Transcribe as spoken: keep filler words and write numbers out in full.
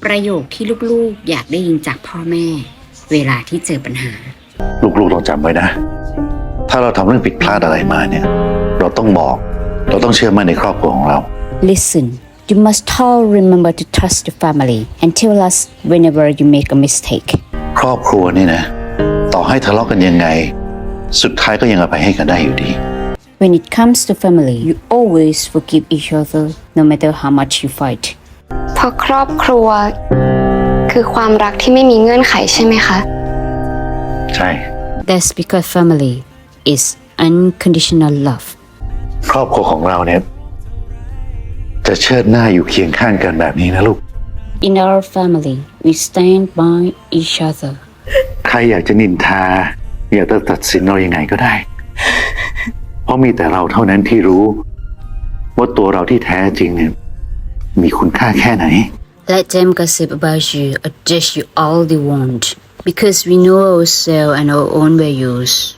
ประโยคที่ลูกๆอยากได้ยินจากพ่อแม่ เวลาที่เจอปัญหาลูกๆต้องจำไว้นะ ถ้าเราทำเรื่องผิดพลาดอะไรมาเนี่ย เราต้องบอก เราต้องเชื่อมั่นในครอบครัวของเรา Listen, you must all remember to trust your family and tell us whenever you make a mistake. ครอบครัวนี่นะ ต่อให้ทะเลาะกันยังไง สุดท้ายก็ยังอภัยให้กันได้อยู่ดี When it comes to family, you always forgive each other, no matter how much you fight. เพราะครอบครัว คือความรักที่ไม่มีเงื่อนไขใช่ไหมคะใช่ That's because family is unconditional love. ครอบครัวของเราเนี่ย จะเชิดหน้าอยู่เคียงข้างกันแบบนี้นะลูก In our family, we stand by each other. ใครอยากจะนินทา อยากจะตัดสินเรายังไงก็ได้ เพราะมีแต่เราเท่านั้นที่รู้ ว่าตัวเราที่แท้จริงเนี่ย มีคุณค่าแค่ไหน Let them gossip about you or judge you all they want, because we know ourselves and our own values.